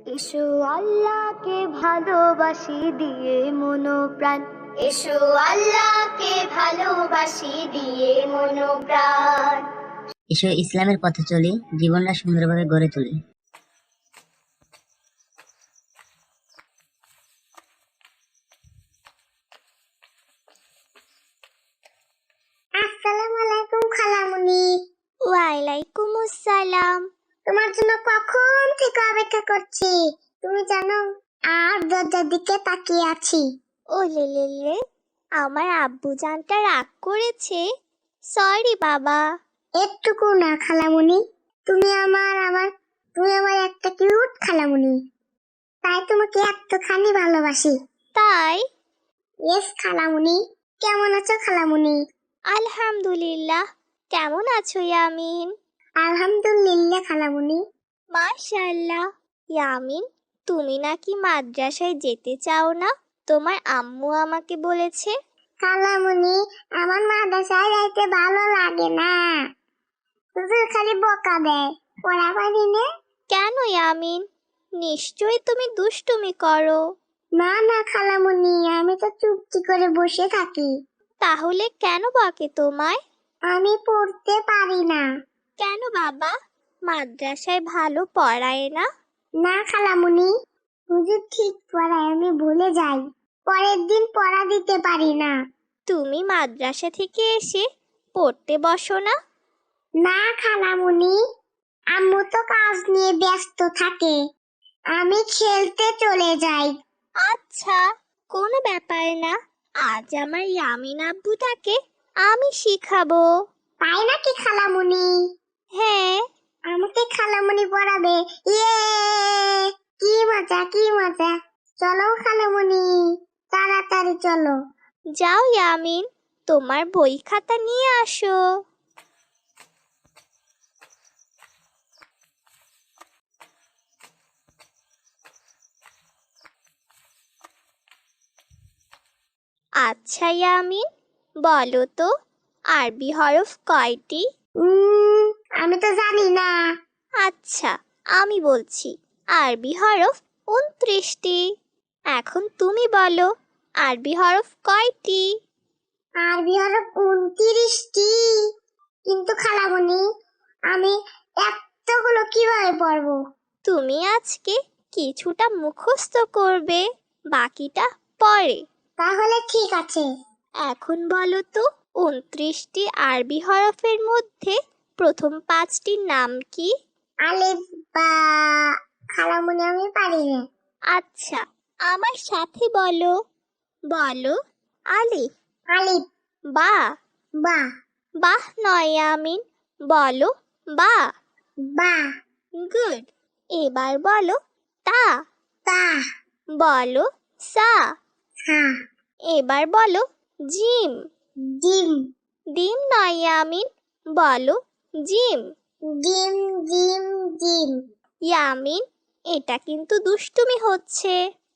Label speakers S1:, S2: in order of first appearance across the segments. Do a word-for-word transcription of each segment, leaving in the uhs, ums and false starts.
S1: এসো আল্লাহকে ভালোবাসি দিয়ে মনো প্রাণ, এসো আল্লাহকে ভালোবাসি দিয়ে মনো প্রাণ।
S2: এসো ইসলামের পথে চলি, জীবনটা সুন্দরভাবে গড়ে তুলি।
S3: আসসালামু আলাইকুম খালামুনি।
S1: ওয়ালাইকুম আসসালাম।
S3: তোমার জন্য কখন থেকে অপেক্ষা করছি তুমি জানো, আর দরজার দিকে তাকিয়ে আছি।
S1: ও লে লে লে, আমার আব্বু জানটা রাগ করেছে। সরি বাবা।
S3: একটুকু না খালামুনি, তুমি আমার আমার তুমি আমার একটা কিউট খালামুনি, তাই তোমাকে এতখানি ভালোবাসি।
S1: তাই?
S3: ইয়েস খালামুনি। কেমন আছো খালামুনি?
S1: আলহামদুলিল্লাহ। কেমন আছো ইয়ামিন?
S3: আলহামদুলিল্লাহ খালামুনি।
S1: মাশাআল্লাহ। ইয়ামিন, তুমি নাকি মাদ্রাসায় যেতে চাও না? তোমার আম্মু আমাকে বলেছে।
S3: খালামুনি, আমার মাদ্রাসায় যাইতে ভালো লাগে না, হুজুর খালি বকা দেয়, পড়া পারি না।
S1: কেন ইয়ামিন? নিশ্চয়ই তুমি দুষ্টুমি করো।
S3: না না খালামুনি, আমি তো চুপটি করে বসে থাকি।
S1: তাহলে কেন বকে তোমায়?
S3: আমি পড়তে পারি না।
S1: কেন বাবা, মাদ্রাসায় ভালো পড়ায় না?
S3: না খালামুনি, হুজুর ঠিক পড়ায়, আমি ভুলে যাই, পরের দিন পড়া দিতে পারি না।
S1: তুমি মাদ্রাসা থেকে এসে পড়তে বসো না?
S3: না খালামুনি, আম্মু তো কাজ নিয়ে ব্যস্ত থাকে, আমি খেলতে চলে যাই।
S1: আচ্ছা, কোনো ব্যাপার না। আজ আমার ইয়ামিন আব্বুটাকে আমি শিখাবো।
S3: তাই নাকি খালামুনি?
S1: হ্যাঁ।
S3: আমাকে খালামুনি পড়াবে? ইয়ে, কি মজা কি মজা। চলো খালামুনি, তাড়াতাড়ি চলো।
S1: যাও ইয়ামিন, তোমার বই খাতা নিয়ে আসো। আচ্ছা ইয়ামিন, বলো তো আরবি হরফ কয়টি?
S3: উম, আমি তো জানি না।
S1: আচ্ছা, আমি বলছি, আরবি হরফ উনত্রিশটি। এখন তুমি বলো আরবি হরফ কয়টি?
S3: আরবি হরফ উনত্রিশটি। কিন্তু খালামুনি, আমি এতগুলো কিভাবে পড়বো?
S1: তুমি আজকে কিছুটা মুখস্থ করবে, বাকিটা পরে।
S3: তাহলে ঠিক আছে।
S1: এখন বলো তো উনত্রিশটি আরবি হরফের মধ্যে প্রথম পাঁচটির নাম কি?
S3: আলিফ বা। খালামুনি, আমি পারি না।
S1: আচ্ছা, আমার সাথে বলো। বলো আলিফ।
S3: আলিফ।
S1: বা।
S3: বা।
S1: বাহ নয় ইয়ামিন, বলো বা।
S3: বা।
S1: গুড। এবার বলো তা।
S3: তা।
S1: বলো সা।
S3: হা।
S1: এবার বলো জিম।
S3: ডিম।
S1: ডিম নয় ইয়ামিন, বলো জিম।
S3: ডিম ডিম ডিম।
S1: ইয়ামিন, এটা কিন্তু দুষ্টুমি হচ্ছে।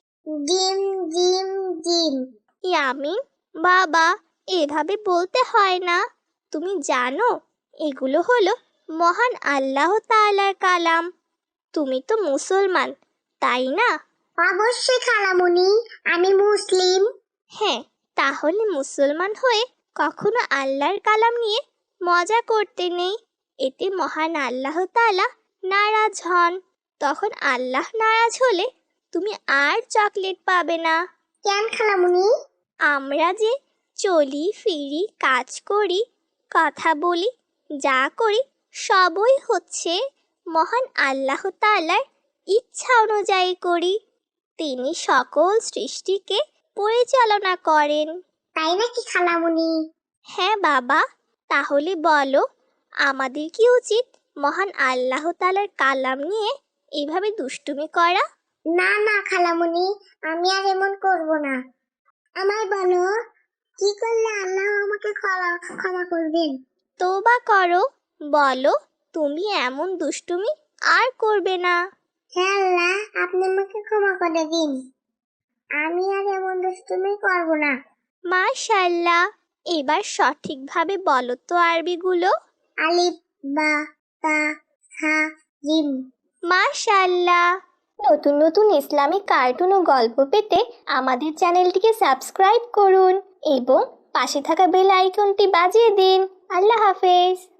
S3: ডিম ডিম ডিম।
S1: ইয়ামিন বাবা, এভাবে বলতে হয় না। তুমি জানো এগুলো হলো মহান আল্লাহ তাআলার কালাম। তুমি তো মুসলমান, তাই না?
S3: অবশ্যই খালামুনি, আমি মুসলিম।
S1: হ্যাঁ, তাহলে মুসলমান হয়ে কখনো আল্লাহর কালাম নিয়ে মজা করতে নেই। এতে মহান আল্লাহ তাআলা নারাজ হন। তখন আল্লাহ নারাজ হলে তুমি আর চকলেট পাবে না।
S3: কেন খালামুনি?
S1: আমরা যে চলি ফিরি, কাজ করি, কথা বলি, যা করি সবই হচ্ছে মহান আল্লাহ তাআলার ইচ্ছা অনুযায়ী করি। তিনি সকল সৃষ্টিকে পরিচালনা করেন।
S3: তাই নাকি খালামুনি?
S1: হ্যাঁ বাবা, তাহলে বলো আমাদের কি উচিত মহান আল্লাহ তাআলার কালাম নিয়ে এইভাবে দুষ্টুমি করা?
S3: না না খালামুনি, আমি আর এমন করব না। আমায় বলো, কি করলে আল্লাহ আমাকে ক্ষমা ক্ষমা করবেন?
S1: তওবা করো, বলো তুমি এমন দুষ্টুমি আর করবে না।
S3: হে আল্লাহ, আপনি আমাকে ক্ষমা করে দিন, আমি আর এমন দুষ্টুমি করব না।
S1: মাশাআল্লাহ, এবার সঠিকভাবে বলো তো আরবিগুলো।
S3: আলিফ বা তা হা জিম।
S1: মাশাআল্লাহ, নতুন নতুন ইসলামিক কার্টুন ও গল্প পেতে আমাদের চ্যানেলটিকে সাবস্ক্রাইব করুন এবং পাশে থাকা বেল আইকনটি বাজিয়ে দিন। আল্লাহ হাফেজ।